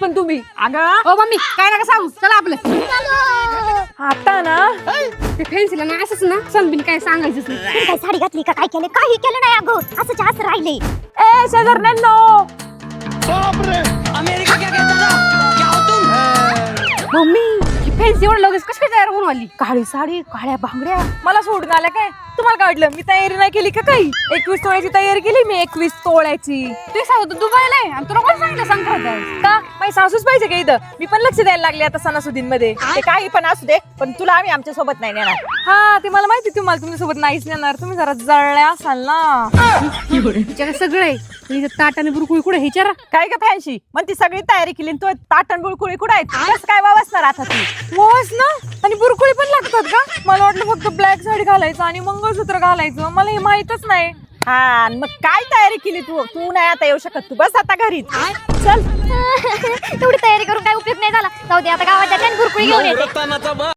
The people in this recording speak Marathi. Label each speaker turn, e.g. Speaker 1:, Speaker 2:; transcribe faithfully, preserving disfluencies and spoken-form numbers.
Speaker 1: पण तुम्ही.
Speaker 2: अगं
Speaker 1: ओ मम्मी काय नका सांगू, चला आपलं.
Speaker 2: आता ना
Speaker 1: ते फॅन्सीला ना असंच ना सनबिन काय सांगायचंच नाही.
Speaker 3: तुम्ही काय साडी घातली का काय केलं? काही केलं नाही अगं, असं जास्त राहिले.
Speaker 2: ए शेजारण्यांनो,
Speaker 4: अमेरिका क्या कहता था? क्या हो तुम?
Speaker 1: मम्मी ही फॅन्सी एवढं लगेच कशी काय तयार होऊन आली?
Speaker 2: काळी साडी, काळ्या बांगड्या, मला सोडून आल्या काय? तुम्हाला काय वाटलं मी तयारी नाही केली का काही? एकवीस तोळ्याची तयारी केली मी, एकवीस तोळ्याची.
Speaker 1: ते सांगतो दुबईला आहे आणि तुला कोण सांगितलं संक्रांत आहे?
Speaker 2: का माझी सासूच पाहिजे का इथं? मी पण लक्ष द्यायला लागले आता सणासुदींमध्ये.
Speaker 5: ते काही पण असू दे, पण तुला आम्ही आमच्या सोबत नाही नेणार.
Speaker 2: हा ते मला माहिती, तुम्हाला तुमच्यासोबत नाहीच नेणार, तुम्ही जरा जळल्या असाल ना.
Speaker 1: तिच्याकडे सगळं आहे. तिच्या ताट आणि बुरकुळी कुठे विचारा.
Speaker 5: काय ग फॅन्सी म्हणती सगळी तयारी केली आणि तू ताटण बुळकुळी कुठे आहेत? कसं काय वावसणार आता तू?
Speaker 2: मोस ना, आणि बुरकुळी पण लागतात का? मला वाटलं फक्त ब्लॅक साडी घालायचं आणि मंगळसूत्र घालायचं, मला हे माहितच नाही.
Speaker 5: हा आणि मग काय तयारी केली तू? तू नाही आता येऊ शकत, तू बस आता घरीच. चल
Speaker 3: तेवढी तयारी करून काय उपयोग नाही झाला. जाऊ दे, आता गावात जाते आणि गुरकुळी घेऊन येते.
Speaker 4: रतानाचा